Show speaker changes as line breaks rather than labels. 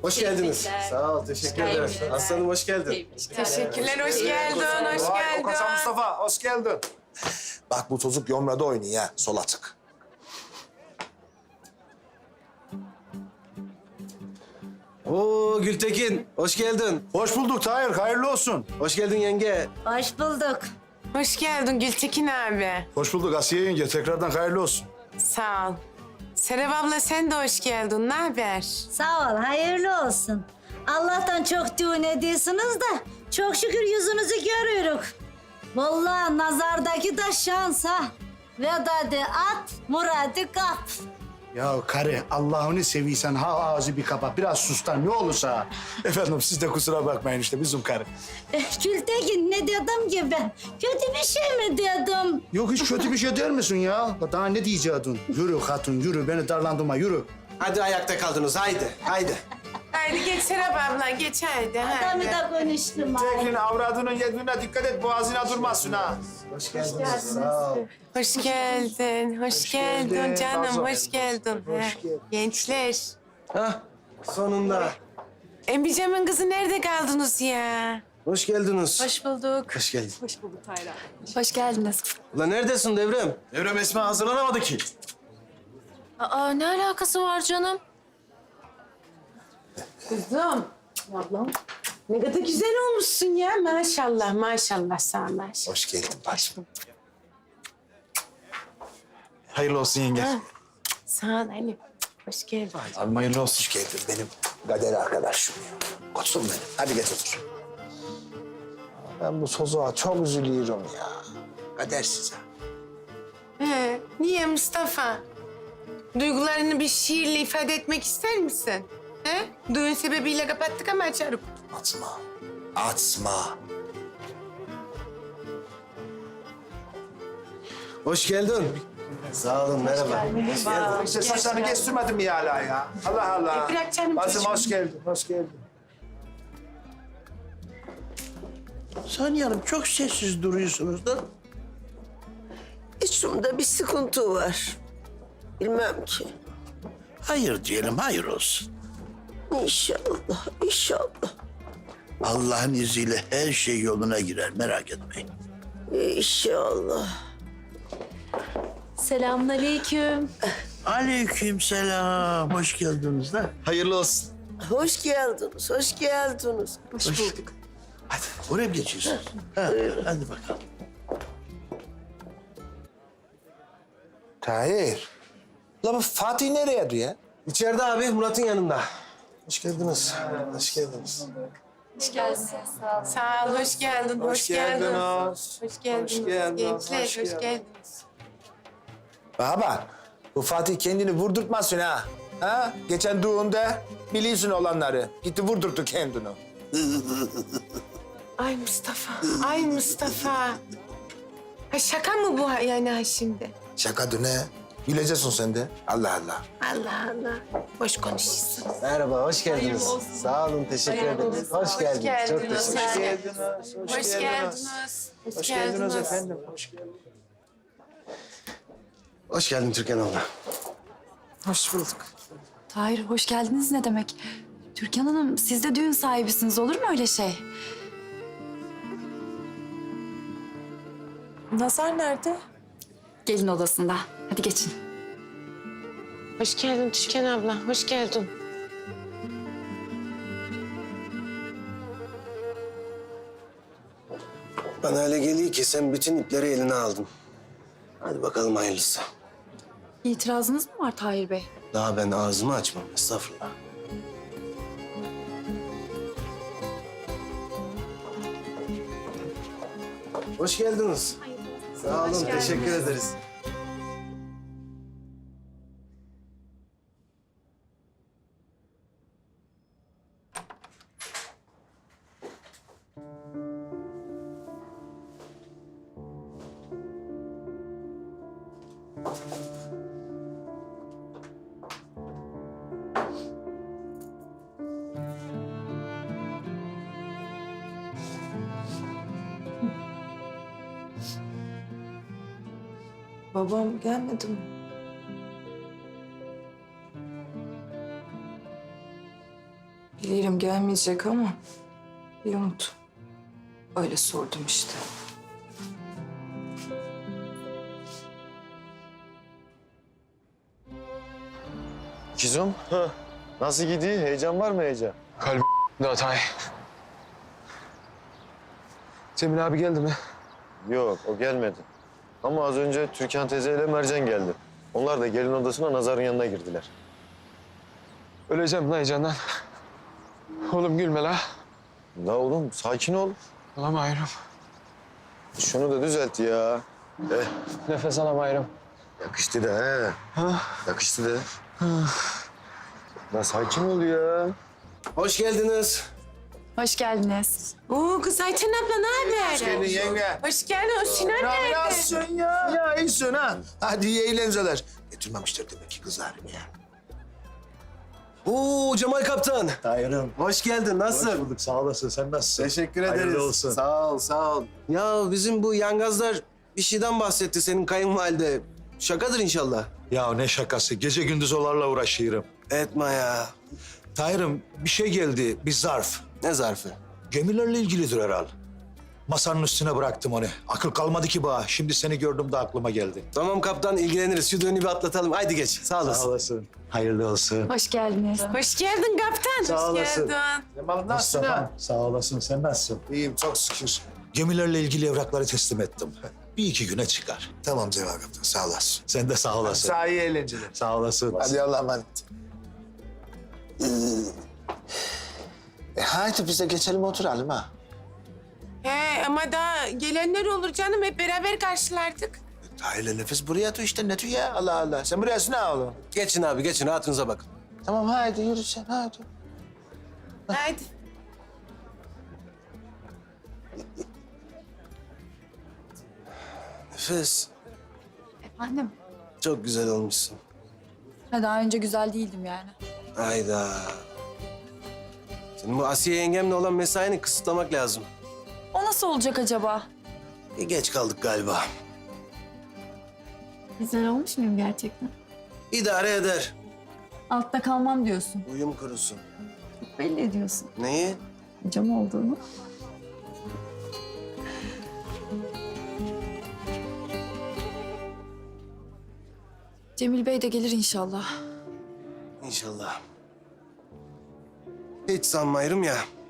Hoş geldiniz. Sağ ol, teşekkür ederim. Aslanım hoş geldin.
Teşekkürler, hoş geldin, hoş geldin.
Okasa Mustafa, hoş geldin. Bak bu çocuk Yomra'da oynuyor ha, sol açık.
Oo Gültekin, hoş geldin.
Hoş bulduk Tahir, hayırlı olsun.
Hoş geldin yenge.
Hoş bulduk.
Hoş geldin Gültekin abi.
Hoş bulduk Asiye yenge, tekrardan hayırlı olsun.
Sağ ol. Serap abla sen de hoş geldin, ne haber?
Sağ ol, hayırlı olsun. Allah'tan çok düğün ediyorsunuz da çok şükür yüzünüzü görüyoruz. Vallahi nazardaki da şansa. Vedadı at, muradı kap.
Ya karı Allah'ını seviysen ha ağzı bir kapa. Biraz sustan ne olursa.
Efendim siz de kusura bakmayın işte bizim karı.
Gültekin ne dedim ki ben? Kötü bir şey mi dedim?
Yok hiç kötü bir şey der misin ya? Daha ne diyecektin? Yürü hatun yürü beni darlandırma yürü.
Hadi ayakta kaldınız, haydi, haydi.
Haydi geç Serap abla, geç haydi.
Adamı
haydi.
da konuştum.
Tekin avradının yediğine dikkat et, boğazına durmasın ha.
Hoş geldiniz, sağ ol.
Hoş geldin, hoş geldin canım,
Nazım.
hoş geldin. Gençler.
Hah, sonunda.
Embicem'in kızı nerede kaldınız ya?
Hoş geldiniz.
Hoş bulduk.
Hoş geldin.
Hoş geldiniz.
Ulan neredesin Devrem?
Devrem Esma hazırlanamadı ki.
Aa, ne alakası var canım?
Kızım. Ablam. Ne kadar güzel olmuşsun ya. Maşallah, maşallah sağ ol, maşallah.
Hoş geldin bacım. Hayırlı olsun yenge.
Sağ ol Ali. Hoş geldin.
Abi hayırlı olsun. Hoş geldin benim kader arkadaşım. Koçum benim. Hadi geç otur. Ben bu sozuğa çok üzülüyorum ya. Kadersiz ha.
Niye Mustafa? Duygularını bir şiirle ifade etmek ister misin? He? Düğün sebebiyle kapattık ama açarım.
Atma. Atma.
Hoş geldin. Sağ olun, merhaba. Hoş geldin.
İşte saçlarını kestirmedim ya hala ya. Allah Allah.
Bırak canım
Bacım
çocuğum.
hoş geldin, hoş geldin.
Saniye Hanım çok sessiz duruyorsunuz da. İçimde bir sıkıntı var. Bilmem ki.
Hayır diyelim, hayır olsun.
İnşallah, inşallah,
Allah'ın izniyle her şey yoluna girer, merak etmeyin.
inşallah.
Selamünaleyküm.
Aleykümselam, hoş geldiniz de.
Hayırlı olsun.
Hoş geldiniz, hoş geldiniz.
Hoş bulduk.
Hadi, oraya mı geçiyorsunuz? Ha, hadi bakalım.
Tahir. La bu Fatih nereye ya?
İçeride abi, Murat'ın yanında. Hoş geldiniz. Hoş geldiniz.
Sağ ol, hoş geldin, hoş geldin.
geldiniz.
Hoş geldiniz.
Hoş geldiniz,
Gençler,
hoş
hoş
geldiniz.
geldiniz.
Bana bak. Bu Fatih kendini vurdurtmasın ha. Ha? Geçen düğünde biliyorsun olanları. Gitti vurdurttu kendini.
Ay Mustafa, ay Mustafa. Ha şaka mı bu yani ha şimdi?
Şaka ne? Bileceksin sen de. Allah Allah.
Allah Allah. Boş konuşuyorsun.
Merhaba, hoş geldiniz. Sağ olun, teşekkür ederiz. Hoş geldiniz. Çok
geldiniz.
teşekkür ederim.
Hoş geldiniz. Hoş geldiniz.
efendim. Hoş geldiniz.
Hoş geldin Türkan abla.
Hoş bulduk.
Tahir hoş geldiniz ne demek? Türkan Hanım siz de düğün sahibisiniz olur mu öyle şey?
Nazar nerede?
Gelin odasında. Hadi geçin.
Hoş geldin Türkan abla, hoş geldin.
Bana öyle geliyor ki sen bütün ipleri eline aldın. Hadi bakalım hayırlısı.
İtirazınız mı var Tahir Bey?
Daha ben ağzımı açmam, estağfurullah. Hoş geldiniz. Sağ olun, teşekkür ederiz.
Babam gelmedi mi?
Bilirim gelmeyecek ama bir umut. Öyle sordum işte.
Kizum, nasıl gidiyor? Heyecan var mı heyecan?
Kalbim Hatay. Cemil abi geldi mi?
Yok, o gelmedi. Ama az önce Türkan teyzeyle Mercan geldi. Onlar da gelin odasına Nazar'ın yanına girdiler.
Öleceğim lan heyecandan. Oğlum gülme la.
La oğlum, sakin ol.
Alamayırım.
Şunu da düzelt ya.
Nefes alamayırım.
Yakıştı da he. Yakıştı da. La sakin ol ya.
Hoş geldiniz.
Hoş geldiniz.
Oo kız Ayten abla ne haber? Hoş
Geldin yenge.
Hoş geldin. O Sinan nerede?
Nasılsın ya? Ya iyisin ha. Hadi iyi eğlenceler. Getirmemişler demek ki kızarım ya.
Oo Cemal Kaptan.
Tahir'im.
Hoş geldin. Nasılsın?
Hoş bulduk. Sağ olasın. Sen nasılsın?
Teşekkür ederiz.
Hayırlı olsun.
Sağ ol, sağ ol. Ya bizim bu yangazlar bir şeyden bahsetti senin kayınvalide. Şakadır inşallah.
Ya ne şakası. Gece gündüz onlarla uğraşıyorum.
Etme ya.
Tahir'im bir şey geldi. Bir zarf.
Ne zarfı?
Gemilerle ilgilidir herhal. Masanın üstüne bıraktım onu. Akıl kalmadı ki bana. Şimdi seni gördüm de aklıma geldi.
Tamam kaptan ilgileniriz. Şu düğünü bir atlatalım. Haydi geç. Sağ olasın.
Sağ olasın. Hayırlı olsun.
Hoş geldiniz.
Hoş geldin kaptan.
Sağ
Hoş
olasın.
geldin.
Cemal nasılsın ha?
Mustafa'm, sağ olasın. Sen nasılsın?
İyiyim çok şükür.
Gemilerle ilgili evrakları teslim ettim. Bir iki güne çıkar.
Tamam Cemal Kaptan sağ olasın.
Sen de sağ olasın.
Sağ iyi eğlenceler.
Sağ olasın.
Hadi Allah'a emanet. Haydi biz de geçelim oturalım ha.
He ama daha gelenler olur canım. Hep beraber karşılardık.
Tahir'le nefes buraya tut işte ne tut ya Allah Allah. Sen buraya ne oğlum?
Geçin abi geçin. Rahatınıza bakın.
Tamam haydi yürü sen haydi.
Haydi.
Nefes.
Efendim?
Çok güzel olmuşsun.
Ha, daha önce güzel değildim yani.
Hayda. Senin bu Asiye yengemle olan mesaini kısıtlamak lazım.
O nasıl olacak acaba?
Bir geç kaldık galiba.
Güzel olmuş muyum gerçekten?
İdare eder.
Altta kalmam diyorsun.
Uyum kurusun.
Belli ediyorsun.
Neyi?
Hocam olduğunu. Cemil Bey de gelir inşallah.
İnşallah. Hiç sanmayırım ya.